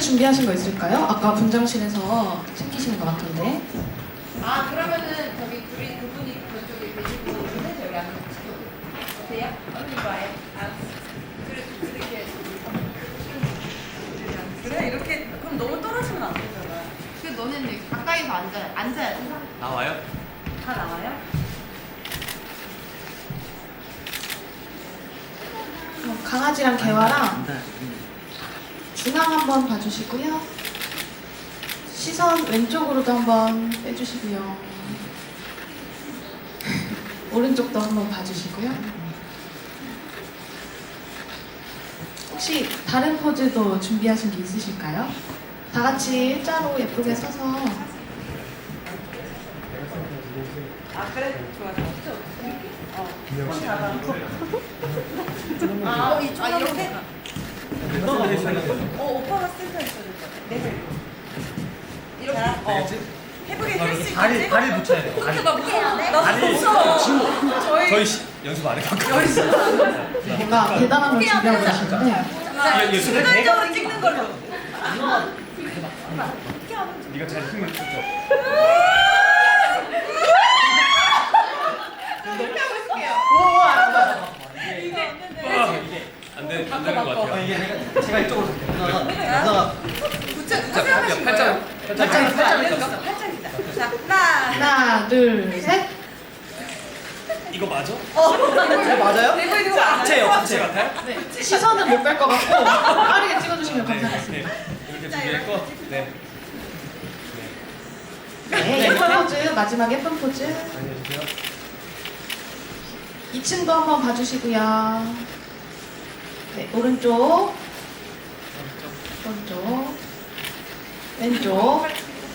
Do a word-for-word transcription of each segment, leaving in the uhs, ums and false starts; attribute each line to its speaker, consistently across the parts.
Speaker 1: 준비하신 거 있을까요? 아까 분장실에서 챙기시는 것 같은데.
Speaker 2: 아 그러면은 저기 둘이 그분이 그쪽에 계시고 근데 저기 안에 지켜도 어때요? 언니 봐요. 아 그래 이렇게 그래 이렇게 그럼 너무 떨어지면 안 되잖아. 그 너는 가까이서 앉아야 앉아야 돼.
Speaker 3: 나와요?
Speaker 2: 다 나와요?
Speaker 1: 어, 강아지랑 개화랑 중앙 한번 봐주시고요. 시선 왼쪽으로도 한번 빼주시고요. 오른쪽도 한번 봐주시고요. 혹시 다른 포즈도 준비하신 게 있으실까요? 다 같이 일자로 예쁘게 서서.
Speaker 2: 아 그래 좋아 좋아. 어. 손 잡아. 아, 어, 이쪽 아, 이렇게? 어, 오빠가 센터 있어야 될 것 같아. 네. 이렇게? 어. 해보게 할 수 있겠지?
Speaker 3: 다리, 다리 붙여야 돼. 다리.
Speaker 2: 나 무서워. 나
Speaker 3: 다리.
Speaker 2: 무서워. 저희
Speaker 3: 저희 시, 연습 안 해봤고.
Speaker 1: 뭔가 대단한 걸 준비하고 계신데.
Speaker 2: 자,
Speaker 3: 예, 예,
Speaker 2: 순간적으로 찍는 걸로.
Speaker 3: 네가 잘 힘을 줬죠.
Speaker 2: 이렇게 하고 있을게요.
Speaker 3: 이게 안 되, 안 되는 것 같아요.
Speaker 4: 이게 내가 제가 이쪽으로 누나가
Speaker 2: 붙여,
Speaker 3: 자,
Speaker 2: 붙여.
Speaker 3: 팔짱.
Speaker 2: 팔짱, 팔짱. 팔짱이다. 자, 하나.
Speaker 1: 하나, 둘, 셋.
Speaker 3: 이거 맞아?
Speaker 4: 네, 맞아요?
Speaker 2: 이거 이거 맞아요?
Speaker 4: 합체요 합체
Speaker 3: 같아요?
Speaker 1: 네, 시선은 못 뺄 것 같고 빠르게 찍어주시면
Speaker 3: 네,
Speaker 1: 감사하겠습니다.
Speaker 3: 네. 이렇게 준비했고, 네.
Speaker 1: 네, 예쁜 포즈, 마지막 예쁜 포즈.
Speaker 3: 안녕하세요.
Speaker 1: 이 층도 한번 봐주시고요. 네, 오른쪽, 오른쪽, 왼쪽.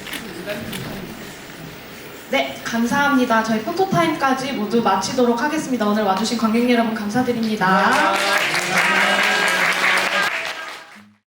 Speaker 1: 네, 감사합니다. 저희 포토타임까지 모두 마치도록 하겠습니다. 오늘 와주신 관객 여러분 감사드립니다.